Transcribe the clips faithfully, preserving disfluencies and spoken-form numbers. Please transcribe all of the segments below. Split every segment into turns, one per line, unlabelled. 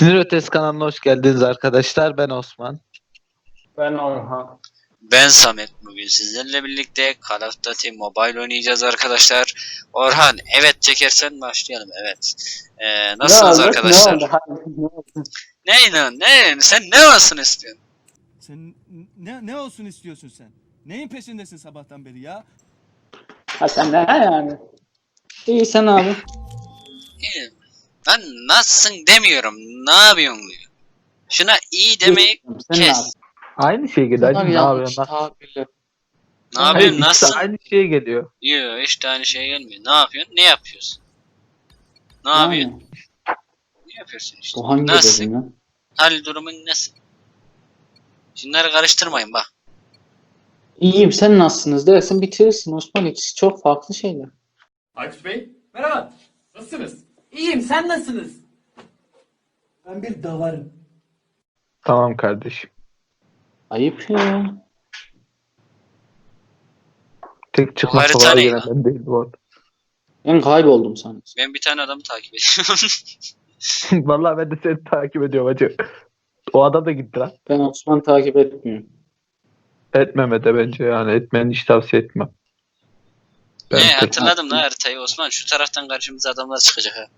Sinir Ötesi kanalına hoş geldiniz arkadaşlar. Ben Osman.
Ben Orhan.
Ben Samet. Bugün sizlerle birlikte Call of Duty Mobile oynayacağız arkadaşlar. Orhan, evet çekersen başlayalım. Evet. Ee, nasılsınız
ne oldu?
arkadaşlar?
Ne oldu? Hadi, ne oldu?
Ne lan? Ne? Sen ne olsun istiyorsun?
Sen ne ne olsun istiyorsun sen? Neyin peşindesin sabahtan beri ya?
Ha sen ne yani? İyi sen abi.
İyi. Ben nasılsın demiyorum. Ne yapıyorsun diyor. Şuna iyi demeyi
Sen ne
kes.
abi?
Aynı şey geliyor.
Bunlar
Hacı, ne
yanlış
yapıyorsun lan?
tabirler.
Ne yapıyorsun?
Hayır, ikisi
Nasılsın?
aynı şey geliyor.
Yok, işte aynı şey gelmiyor. Ne yapıyorsun? Ne yapıyorsun? Ne yapıyorsun?
Yani,
Ne yapıyorsun işte?
bu hangi
Nasılsın?
bölüm ya?
Hal durumun nasıl? Şunları karıştırmayın bak.
İyiyim sen nasılsınız dersin bitirirsin Osman, ikisi çok farklı şeyler.
Aykut Bey, merhaba. Nasılsınız? İyiyim, sen nasılsınız?
Ben bir davarım.
Tamam kardeşim.
Ayıp ya.
Tek çıkma
harita
kolay
ne
gelen
lan?
ben değil bu arada.
Ben kayboldum sanırım.
Ben bir tane adamı takip ediyorum.
Vallahi ben de seni takip ediyorum hacı. O adam da gitti lan.
Ben Osman takip etmiyorum.
Etmeme de bence yani. Etmeni hiç tavsiye etmem. Ben
ne
tek-
hatırladım la haritayı Osman. Şu taraftan karşımıza adamlar çıkacak ha.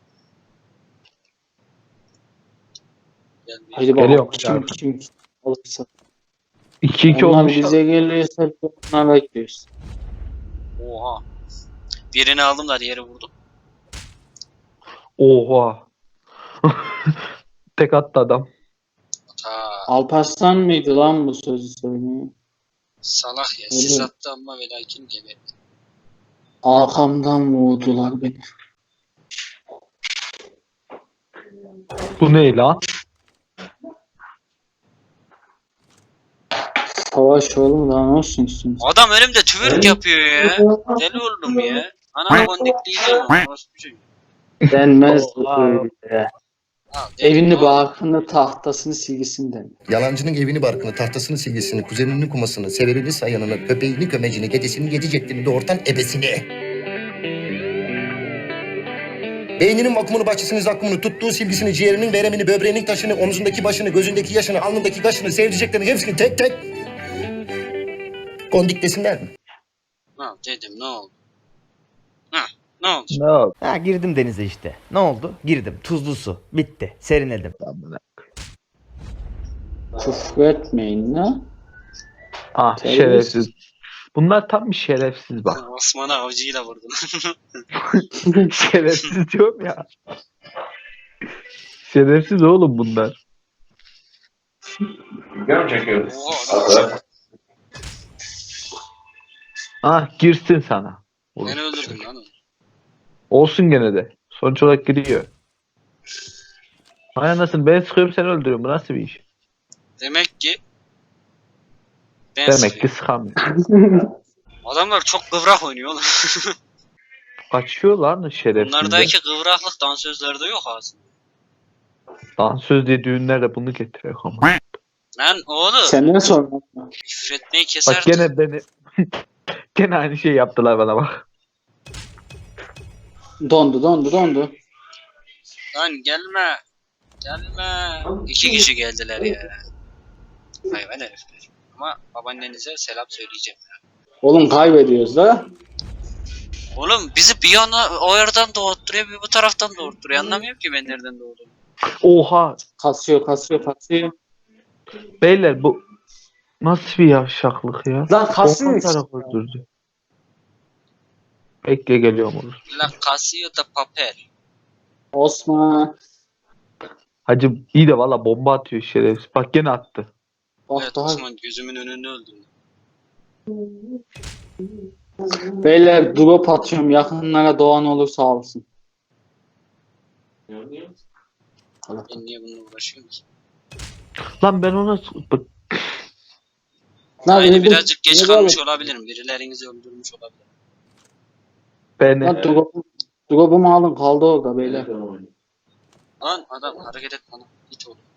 Gel bir-
Hadi bakalım
Geliyorum
kim
abi.
kim olursa.
iki iki
Onlar
olmuş.
bize gelirse onlar bekliyoruz.
Oha. Birini aldım da diğeri vurdum.
Oha. Tek attı adam.
Ta
Alparslan mıydı lan bu sözü söyleyen?
salak ya.
Öyle.
Sis attı ama ve lakin geberdi.
Arkamdan vurdular beni.
Bu ne lan?
Savaş oğlum daha ne olsun istiyorsun?
Adam önümde twerk yapıyor ya. Deli oldum ya. Ana kondikliği orası bir şey.
Denmez
Oha.
öyle.
Al, deli
Evini
oğlum.
barkını tahtasını silgisinden.
Yalancının evini barkını, tahtasını silgisini, kuzeninin kumasını, severini sayanını, köpeğini kömecini, gecesini yedi ceklini, doğurtan ebesini. Beyninin vakumunu, bahçesinin zakkumunu, tuttuğu silgisini, ciğerinin veremini, böbreğinin taşını, omzundaki başını, gözündeki yaşını, alnındaki kaşını, sevdiceklerini hepsini tek tek kondik desinler mi?
Ha dedim ne oldu? Ha ne oldu?
Ne oldu?
Ha girdim denize işte. Ne oldu? Girdim. Tuzlu su. Bitti. Serinledim.
Küfür etmeyin la.
Ah
Terbiyesiz.
şerefsiz. Bunlar tam bir şerefsiz bak.
Osman'ı avcıyla vurdun.
Şerefsiz diyorum ya. Şerefsiz oğlum bunlar.
Oha adam
Ah girsin sana. Oğlum,
beni öldürdün lan.
olsun gene de. Sonuç olarak giriyor. Hay anasını ben sıkıyorum sen öldürüyorsun. Bu nasıl bir iş?
Demek ki ben
Demek ki
sıkıyorum.
sıkamıyor.
Adamlar çok kıvrak oynuyor oğlum.
Kaçıyor lan şerefsizler.
Bunlardaki kıvraklık dansözlerde yok aslında.
Dansöz diye düğünlerde bunu getiriyor ama.
Lan oğlum
Senden sonra.
küfür etmeyi keser.
Bak gene beni gene aynı şey yaptılar bana bak.
Dondu dondu dondu.
Lan gelme. Gelme. İki kişi geldiler ya. Hayvan herifler. Ama babaannenize selam söyleyeceğim.
Oğlum kaybediyoruz la.
Oğlum bizi bir yana o yerden doğurtturuyor bir bu taraftan doğurtturuyor. Anlamıyorum ki ben nereden doğduğumu.
Oha.
Kasıyor kasıyor kasıyor.
Beyler bu nasıl bir yavşaklık ya?
Lan kasıyor
Orhan
işte.
taraf öldürdü. Bekle geliyorum olur.
La Casio da papel.
Osman.
Hacı iyi de valla bomba atıyor şerefsiz. Bak gene attı.
Bak
Evet
daha.
Osman gözümün önünde öldürdü.
Beyler drop atıyorum, yakınlara doğan olursa alsın.
Ben niye bununla uğraşıyorum ki?
Lan ben ona bak,
Lan
Aynı
öldüm.
birazcık geç
Ne
kalmış
böyle?
olabilirim. Birilerinizi öldürmüş olabilir.
beni.
Lan drop'u, drop'umu alın, kaldı orada beyler.
Lan adam hareket et bana. Git oğlum.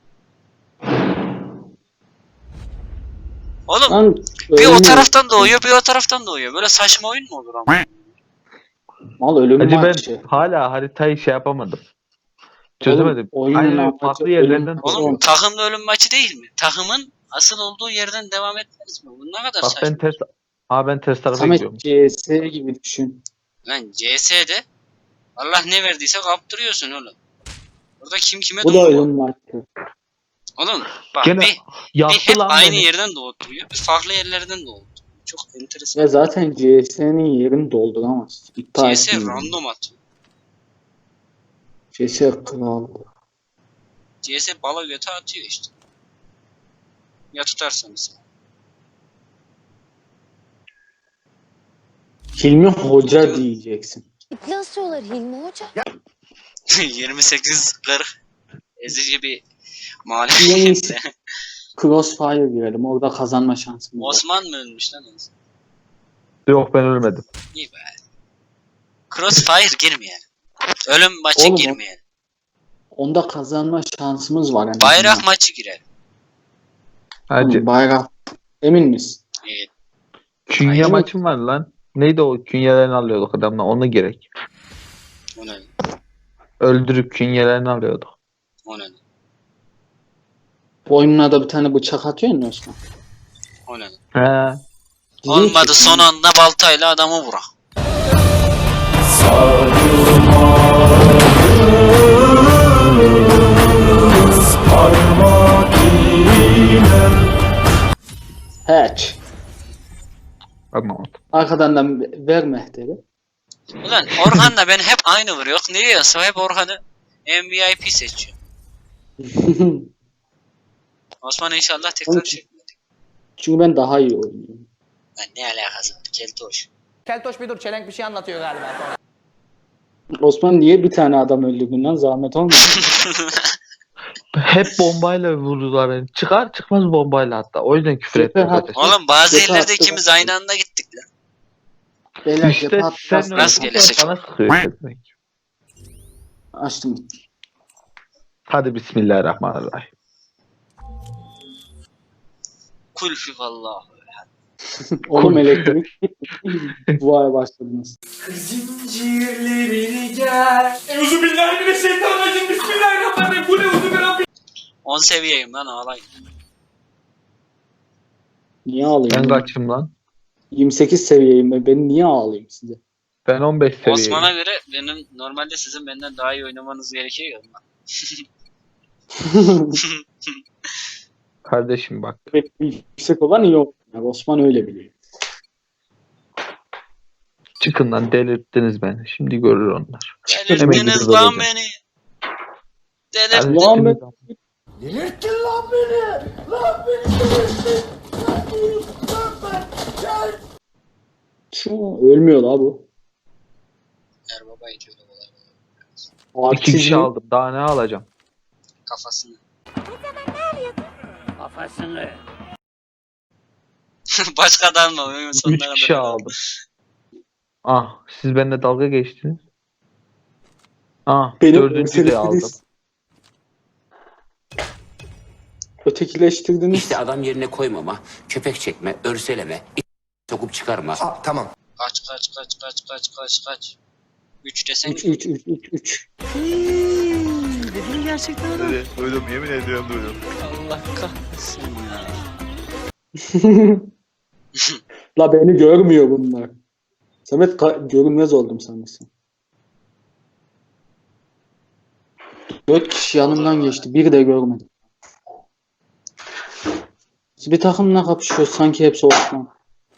Oğlum
Lan
bir o
ölümü-
taraftan doğuyor bir o taraftan doğuyor. Böyle saçma oyun mu olur ama?
Mal ölüm
Hacı ben
maçı.
hala haritayı şey yapamadım. Çözemedim.
Oğlum, oyunun
Aynen öyle,
amacı
farklı yerlerden
ölüm-
dolayı.
Oğlum takımda ölüm maçı değil mi? Takımın asıl olduğu yerden devam etmez mi? Bu ne kadar
Bak
saçma.
ben ters... Aa ben ters tarafa
Samet
gidiyorum.
C S gibi düşün.
Lan C S'de Allah ne verdiyse kaptırıyorsun oğlum. Burada kim kime
Bu da
doğdu?
ölüm maçı.
Oğlum bak
Gene
bir, bir
yaptı
hep
lan
aynı
beni.
yerden doğduruyor. Bir farklı yerlerden doğdu. Çok enteresan.
Ve zaten C S'nin yerini dolduramaz. İptal
C S
etmiyor.
random atıyor.
C S kral.
C S bala göte atıyor işte. Ya tutarsanız.
Hilmi Hoca diyeceksin.
İple asıyorlar Hilmi Hoca.
yirmi sekiz kırk ezici bir
En
mağlubiyet.
iyisi Crossfire girelim. Orada kazanma şansımız var.
Osman mı ölmüş lan en son?
Yok ben ölmedim.
İyi be. Crossfire girmeyelim. Ölüm maçı
Oğlum o-
girmeyelim.
Onda kazanma şansımız var. en
Bayrak
azından.
maçı girelim.
Hadi.
Oğlum, bayrak. Emin misin?
İyi.
Künye
Aynen.
maçım var lan. Neydi o künyelerini alıyorduk adamla ona gerek.
O ne?
Öldürüp künyelerini alıyorduk.
O ne?
Boynuna da bir tane bıçak atıyor mu Osman?
O ne?
He.
Olmadı son anda baltayla adamı vurak.
Hatch.
Anlamadım.
Arkadan da ver mehteri.
Ulan Orhan'la ben hep aynı vuruyor. Niye? Hep Orhan'ı M V I P seçiyor. Osman inşallah tekrar
Oğlum,
çekmedi.
Çünkü ben daha iyi oynuyorum.
Lan ne alakası var? Keltoş.
Keltoş bir dur, çelenk bir şey anlatıyor galiba.
Osman niye bir tane adam öldürdün lan? Zahmet olmuyor.
Hep bombayla vurdular beni. Çıkar çıkmaz bombayla hatta. O yüzden küfür ettim
Cephe
zaten.
Oğlum bazı
Cephe
yerlerde
attı
ikimiz
bak.
aynı anda gittik lan.
Beyler
İşte
cephe
sen
attı.
öyle
Rastgele
tutar,
seçim.
bana sıkıyor demek.
Açtım.
Hadi bismillahirrahmanirrahim.
Kul fivallah.
Oğlum
Kul.
elektrik. Vay başladınız.
Zincirlerini gel. Euzubillahimineşşeytanirracim. Bismillahirrahmanirrahim. Bu ne uzun bir Rabbim.
on seviyeyim lan ağlayın.
Niye ağlayayım?
Ben
Ben
kaçım lan?
yirmi sekiz seviyeyim ben. Ben niye ağlayayım size?
Ben on beş seviyeyim.
Osman'a göre benim normalde sizin benden daha iyi oynamanız gerekiyor ya.
Kardeşim bak.
Yüksek olan iyi oynuyor. Osman öyle biliyor.
Çıkın lan delirttiniz beni. Şimdi görür onlar. Hemen
Delirttiniz
gidip
lan
öleceğim.
beni.
Hadi
Delirttiniz.
Lan ben-
delirttiniz.
Şu ölmüyor la bu.
Erbaba itiyor da kolay.
İki kişi aldım. Daha ne alacağım?
Kafasını.
Kafasını.
Başkadan mı? Oyun sonuna
Üç
kadar
kişi
öyle.
aldım. Ah siz benimle dalga geçtiniz. Ah
Benim
dördüncü de aldım.
ötekileştirdiniz. Ötekileştirdiniz.
İşte adam yerine koymama, köpek çekme, örseleme, sokup çıkarma.
Aa, tamam.
Kaç kaç kaç kaç kaç kaç kaç. üç desen
üç üç üç üç üç.
Dedim gerçekten adam.
Evet, duydum, yemin ediyorum duydum.
Allah kahretsin ya.
La beni görmüyor bunlar. Samet ka- görünmez oldum sanırsın. Dört kişi yanımdan geçti. Biri de görmedim. Biz bir takımla kapışıyoruz. Sanki hepsi Osman.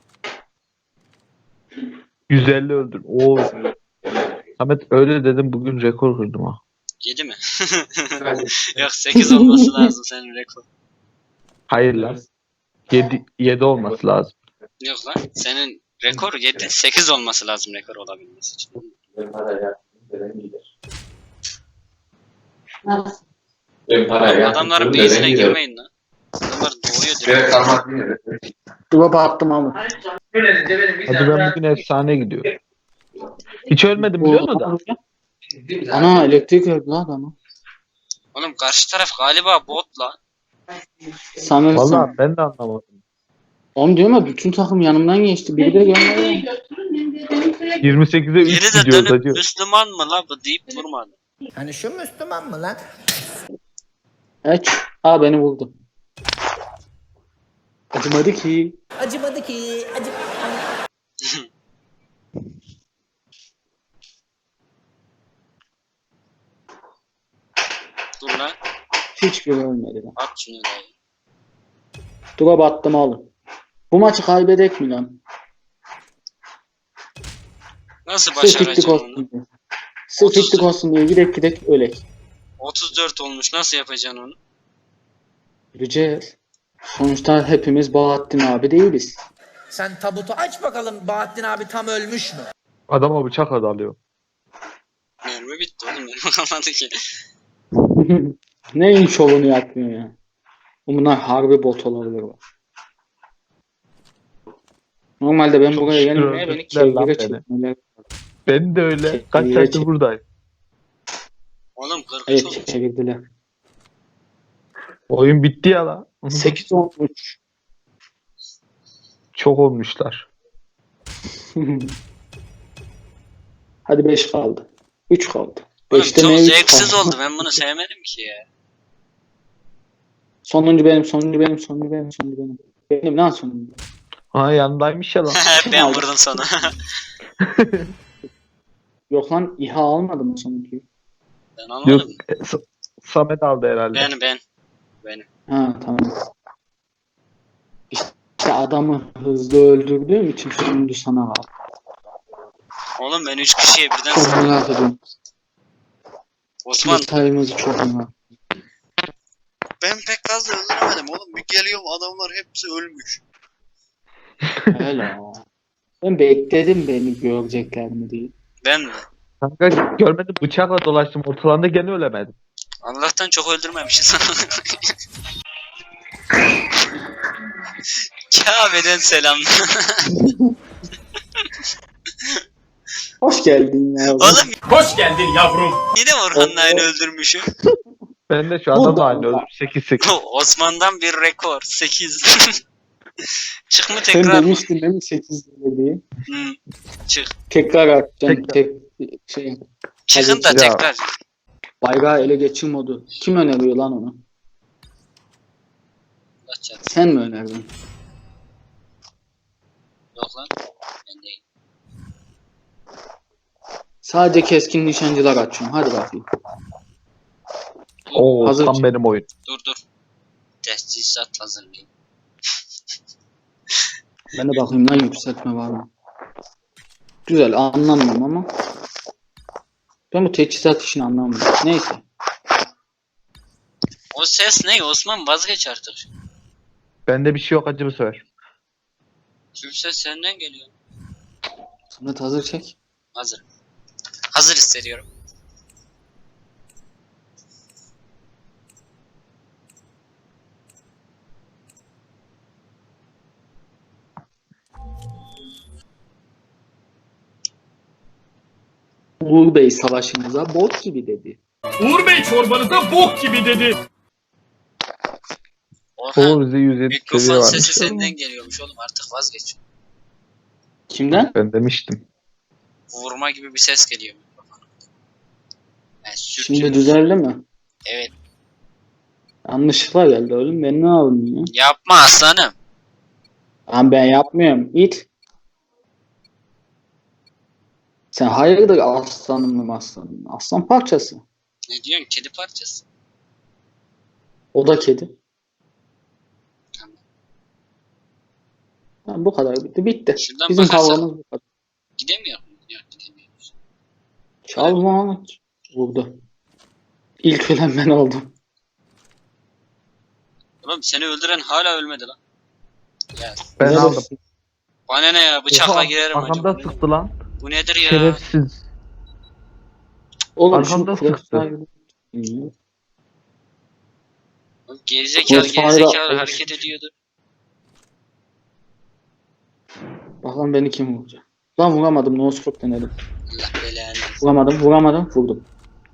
yüz elli öldüm. Oo. Ahmet öyle dedim bugün rekor kırdım ha.
yedi mi? Yok sekiz olması lazım senin rekor.
Hayır lan. yedi, yedi olması lazım.
Yok lan senin rekor yedi. sekiz olması lazım rekor olabilmesi için. Adamların base'ine girmeyin lan. Adamlar doğuyor direkt.
Drop'a attım ama.
Hadi ben bugün efsane gidiyorum. Hiç ölmedim biliyor musun da?
Ana elektrik öldü lan adamı.
Oğlum karşı taraf galiba bot lan.
Sanırsın.
Vallahi ben de anlamadım.
Onu diyorum ya bütün takım yanımdan geçti. Biri de gelmedi.
yirmi sekize üç
Biri de
gidiyoruz
dönüp
hacı.
Müslüman mı la bu deyip durmadı.
Hani şu Müslüman mı lan?
Evet. Aa beni vurdu. Acımadı ki.
Acımadı ki. Acı...
Dur lan.
Hiçbir ölmedi lan.
At şunu dayı.
Dura battım oğlum. Bu maçı kaybedek mi lan?
Nasıl
Sırf ittik
başaracağım onu?
olsun diye. Sırf
otuz
ittik olsun diye gidek gidek ölek.
otuz dört olmuş. Nasıl yapacaksın onu?
Göreceğiz. Sonuçta hepimiz Bahattin abi değiliz.
Sen tabutu aç bakalım, Bahattin abi tam ölmüş mü?
Adama bıçak alıyor.
Mermi bitti oğlum. Mermi kalmadı ki.
Neyin şovunu yapmıyor ya? Bunlar harbi bot olabilir bak. Normalde ben
Çok
buraya
şükür
gelmeye beni
öldürdüler lan
kevgire
beni.
çekmeler.
Ben de öyle. Kaç
Çekil,
saattir
çekil.
buradayım.
Oğlum kırk üç
Evet
olmuş.
çevirdiler.
Oyun bitti ya lan.
sekiz olmuş.
Çok olmuşlar.
Hadi beş kaldı. üç kaldı.
Oğlum
beşte
çok
ne üç
zevksiz
kaldı?
oldu. Ben bunu sevmedim ki ya.
Sonuncu benim, sonuncu benim, sonuncu benim, sonuncu benim. Benim lan sonuncu.
Ha yanındaymış ya lan.
Ben vurdum sana.
Yok lan İHA almadım mı sonuncuyu?
Ben
Yok.
anlamadım.
e, Sa- Samet aldı herhalde.
Ben ben. Benim.
Ha tamam. İşte adamı hızlı öldürdüğüm için sonuncu sana kaldı.
Oğlum ben üç kişiye birden
Çok
sıktım.
merak ediyorum.
Osman
Detayımızı çok merak
ben pek fazla öldüremedim oğlum. Bir geliyorum adamlar hepsi ölmüş.
Öyle. Ben bekledim beni görecekler mi diye.
Ben mi?
Kanka görmedim, bıçakla dolaştım ortalarında, gene ölemedim.
Allah'tan çok öldürmemişiz. Kabe'den selam.
Hoş geldin ya.
Oğlum
Hoş geldin yavrum.
yine Orhan'la aynı öldürmüşüm.
Ben de şu
Bu
adamla
da-
aynı öldüm. sekiz sekiz.
Osman'dan bir rekor. sekiz. Çık mı
Sen
tekrar mı?
demiştin değil mi sekiz diye?
Hmm. Çık.
Tekrar atacağım.
Tekrar.
Tek, şey,
Çıkın da
Hadi.
Ya.
tekrar.
bayrağı ele geçir modu. Kim öneriyor lan onu?
Allah çarpsın.
Sen mi önerdin?
Yok lan. Ben değil.
Sadece keskin nişancılar açıyorum. Hadi bakayım.
Oo,
Hazır
tam
çık.
benim oyun.
Dur dur. Tesisat hazırlayayım.
Ben de bakayım lan yükseltme var mı? Güzel anlamıyorum ama. Ben bu teçhizat işini anlamıyorum. Neyse.
O ses ne? Osman vazgeç artık.
Bende bir şey yok acı bu sefer.
Şu ses senden geliyor.
Samet hazır çek.
Hazır. Hazır hissediyorum.
Uğur Bey savaşımıza bot gibi dedi.
Uğur Bey çorbanıza bok gibi dedi.
Orhan
Oo, bize yüz yedi seviye
mikrofon
varmış.
sesi senden geliyormuş oğlum, artık vazgeç.
Kimden?
Ben demiştim.
Vurma gibi bir ses geliyor mikrofona. Yani sürtün.
Şimdi düzeldi mi?
Evet.
Yanlışlıkla geldi oğlum. Ben ne yapayım ya?
Yapma aslanım.
Lan ben yapmıyorum. İt. Sen hayırdır aslanım mı aslanım? Aslan parçası.
Ne diyorsun? Kedi parçası.
O da kedi.
Tamam.
Ha, bu kadar bitti. Bitti.
Şuradan
Bizim
bakarsan-
kavgamız bu kadar.
Gidemiyor mu? Yok gidemiyoruz.
Çalma. Vurdu. İlk ölen ben oldum.
Oğlum seni öldüren hala ölmedi lan. Ya
Ben
Neredesin?
aldım.
bana ne ya, bıçakla
Oha,
girerim
arkamda
acaba.
sıktı lan.
Bu nedir ya?
Şerefsiz.
Oğlum
Arkamda
şunu
sıktı.
Crossfire'ı-
Gerizekalı
Crossfire'da-
gerizekalı hareket ediyordu.
Bakalım beni kim vuracak. Lan vuramadım. No scope denedim.
Allah belanı.
Vuramadım. Vuramadım. Vurdum.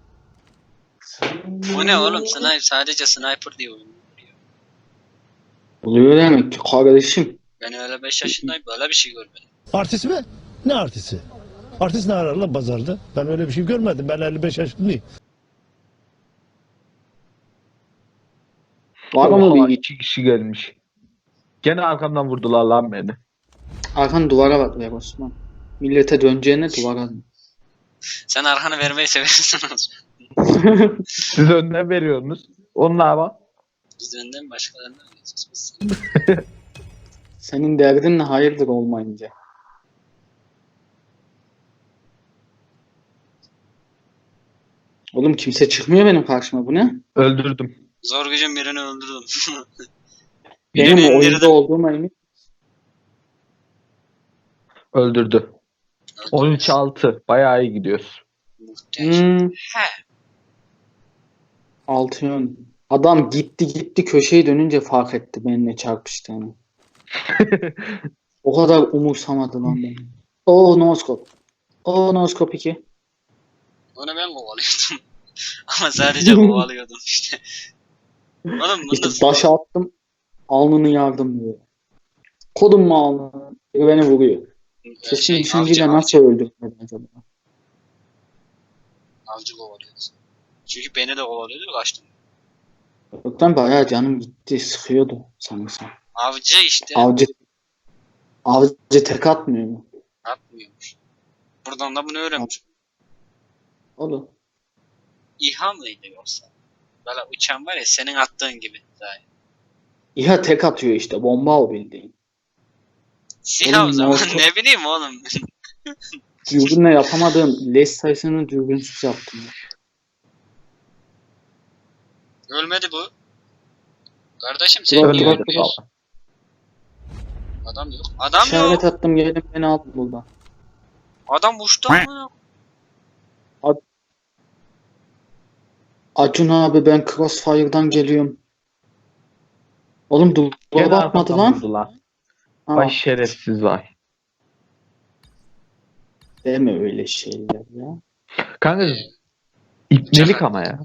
Bu ne oğlum? Sniper, sadece sniper diye oynuyor.
Oluyor demek ki kardeşim.
Ben öyle beş yaşındayım, böyle bir şey görmedim.
Artist mi? Ne artisti? Artist ne arar lan pazarda? Ben öyle bir şey görmedim. Ben elli beş yaşındayım.
Var mı
Oha,
bir
iki kişi gelmiş. Gene arkamdan vurdular lan beni.
arkan duvara bak ver Osman. Millete döneceğine duvara dön.
Sen arkanı vermeyi seversin.
Siz önden veriyorsunuz. Onlar bak.
Biz önden başkalarına alıyoruz. Biz
Senin derdin ne hayırdır olmayınca. Oğlum kimse çıkmıyor benim karşıma, bu ne?
Öldürdüm.
zor gücün birini öldürdüm.
Benim
Birini
o oyunda
indirdim.
olduğuma emin.
Öldürdü. on üç altı. Bayağı iyi gidiyoruz.
Muhteşem.
Hmm,
He.
altı yön. Adam gitti gitti köşeyi dönünce fark etti benimle çarpıştığını. O kadar umursamadı lan beni. Oo noskop. Oo noskop iki.
Onu ben kovalıyordum. Ama sadece kovalıyordum işte. Oğlum
İşte
bunda
taşı attım. Alnını yardım diyor. Kodum mu alnını? Beni vuruyor. Kesin
şey,
düşünceyle
avcı,
nasıl
avcı,
öldürmedi acaba?
avcı kovalıyordu. Çünkü beni de kovalıyordu, kaçtım.
Yoktan bayağı canım gitti. Sıkıyordu sanırsam.
Avcı işte
Avcı avcı tek atmıyor mu?
atmıyormuş. Buradan da bunu öğrenmiş.
Oğlum.
İHA mıydı yoksa? Böyle uçan var ya senin attığın gibi. Zaten.
İHA tek atıyor işte. Bomba o bildiğin.
SİHA o
Oğlum,
zaman
ne oldu?
ne bileyim oğlum.
Dürbünle yapamadığım leş sayısını dürbünsüz yaptım.
Ölmedi bu. Kardeşim sen
Dur,
niye
dur,
ölmüyorsun? Adam yok. Adam
İşaret
yok.
attım gelin beni aldı buradan.
Adam uçtu mu?
Acun abi ben Crossfire'dan geliyorum. Oğlum
Gene
duvara bakmadı
arkamdan
lan.
vurdular.
Ha,
Vay şerefsiz vay.
deme öyle şeyler ya.
Kanka ipnelik ama ya.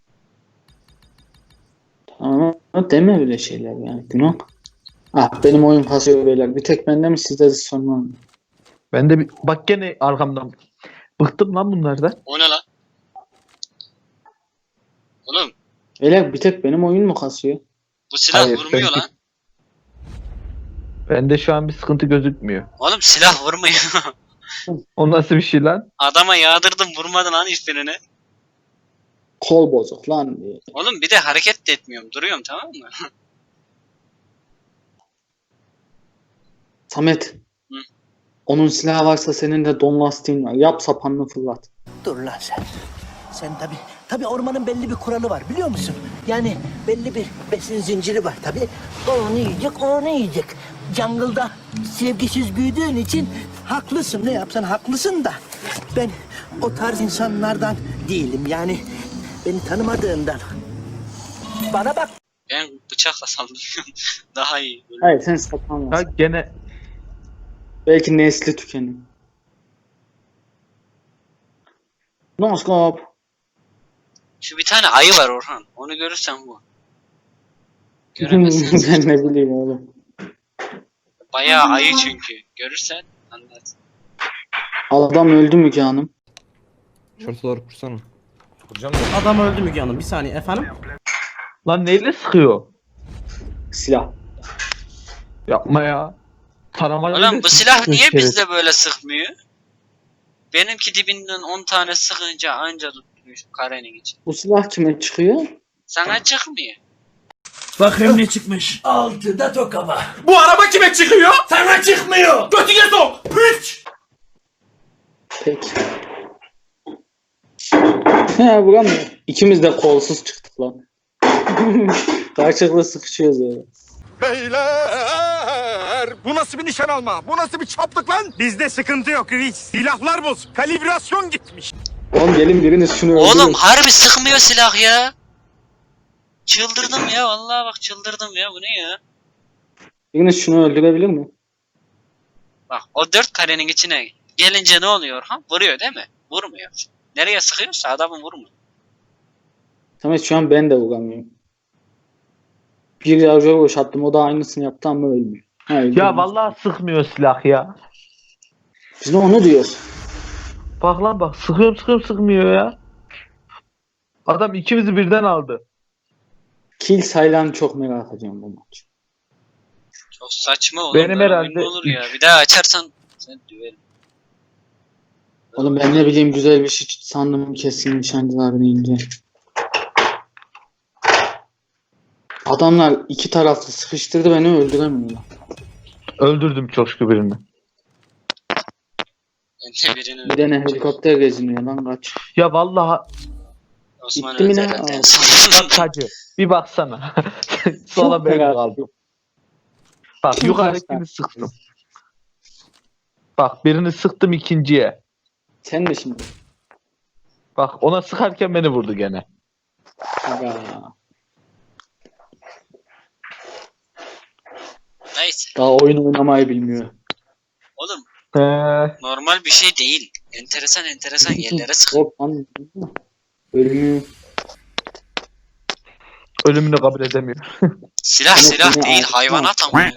Tamam deme öyle şeyler yani. Günah. Ah benim oyun kasıyor beyler. Bir tek bende mi sizde de sorun var mı?
Ben de bir, bak gene arkamdan. Bıktım lan bunlardan.
O ne lan? Oğlum
Beyler bir tek benim oyun mu kasıyor?
bu silah
Hayır,
vurmuyor
ben-
lan.
Bende şu an bir sıkıntı gözükmüyor.
Oğlum silah vurmuyor.
O nasıl bir şey lan?
Adama yağdırdım vurmadı lan hiçbirini.
Kol bozuk lan diye.
Oğlum bir de hareket de etmiyorum. Duruyorum tamam mı?
Samet.
Hı.
Onun silahı varsa senin de don lastiğin var. Yap sapanını fırlat.
Dur lan sen. Sen tabi tabi ormanın belli bir kuralı var biliyor musun? Yani belli bir besin zinciri var tabi. O onu yiyecek, o onu yiyecek. Jungle'da sevgisiz büyüdüğün için haklısın. Ne yapsan haklısın da. Ben o tarz insanlardan değilim. Yani beni tanımadığından. Bana bak.
Ben bıçakla saldırıyorum. Daha iyi. Böyle.
Hayır sen sapan
Ya
var.
gene
Belki nesli tükenir. Noskop.
Şu bir tane ayı var Orhan. Onu görürsen bu. Göremezsin.
Ben ne bileyim oğlum.
Bayağı ayı çünkü. Görürsen anlat.
Adam öldü mü ki hanım?
Şortaları kursana.
Adam öldü Müge Hanım. Bir saniye efendim.
lan neyle sıkıyor?
Silah.
Yapma ya. Taramayla
Oğlum bu silah niye
şeref.
bizde böyle sıkmıyor? Benimki dibinden on tane sıkınca anca tutmuş karenin için.
Bu silah kime çıkıyor?
Sana çıkmıyor.
Bakayım ne çıkmış.
Altıda tokama.
Bu araba kime çıkıyor? Sana çıkmıyor. Götüne sok. Üç.
Peki. He vuramıyor. İkimiz de kolsuz çıktık lan. Karşılıklı sıkışıyoruz ya.
Beyler bu nasıl bir nişan alma? Bu nasıl bir çaplık lan? Bizde sıkıntı yok reis. Silahlar boz. Kalibrasyon gitmiş.
Oğlum gelin biriniz şunu öldürün.
Oğlum harbi sıkmıyor silah ya. Çıldırdım ya vallahi bak çıldırdım ya bu ne ya?
Biriniz şunu öldürebilir mi?
Bak o dört karenin içine gelince ne oluyor ha? Vuruyor değil mi? Vurmuyor. Nereye sıkıyorsa adamı vurmuyor.
Samet şu an ben de vuramıyorum. Bir yargıya boşalttım o da aynısını yaptı ama ölmüyor. Ha, öldü.
Ya vallahi sıkmıyor silah ya.
Biz de onu diyoruz.
Bak lan bak sıkıyorum sıkıyorum sıkmıyor ya. Adam ikimizi birden aldı.
kill sayılarını çok merak ediyorum bu maç.
Çok saçma oğlum.
Benim
böyle
herhalde
oyun mu olur ya. Bir daha açarsan sen düverim.
Oğlum ben ne bileyim güzel bir şey sandım kesin nişancılar deyince. Adamlar iki taraflı sıkıştırdı beni öldüremiyorlar.
Öldürdüm coşku birini.
Ben de birini
Bir tane helikopter geziniyor lan kaç.
Ya vallahi
Osman
Gitti mi
öldü
lan?
herhalde en
Aa.
son.
bak Hacı bir baksana. Sonra
Çok
ben
merak
kaldım. Bak
Kim
yukarıdakini sıktım. Bak birini sıktım ikinciye.
Sen de şimdi.
Bak ona sıkarken beni vurdu gene.
Aga.
Neyse.
Daha oyun oynamayı bilmiyor.
Oğlum
Ee,
normal bir şey değil. Enteresan enteresan yerlere sık.
Hop lan. Ölümü.
ölümünü kabul edemiyor.
Silah
Ama
silah
seni
değil
ağzına
hayvanat
at.
ama.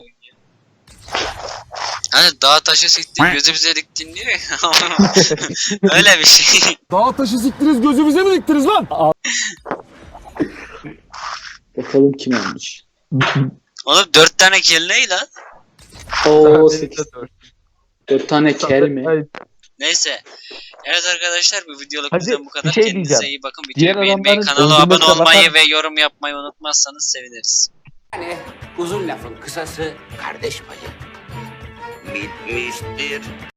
Hani dağ taşı siktin gözümüze diktin diyor ya. Öyle bir şey.
Dağ taşı siktiniz gözümüze mi diktiniz lan?
Bakalım kim almış.
Oğlum dört tane kill ne lan?
Oo sekiz. Dört tane kel mi?
Ay,
Neyse. Evet arkadaşlar bu videoluk
Hadi,
bizden bu kadar.
bir şey
Kendinize
diyeceğim.
iyi bakın.
Diğer
Videoyu beğenmeyi,
adamların
kanala abone
öldürmesine
olmayı
bakar-
ve yorum yapmayı unutmazsanız seviniriz.
Yani uzun lafın kısası kardeş payı. Bitmiştir.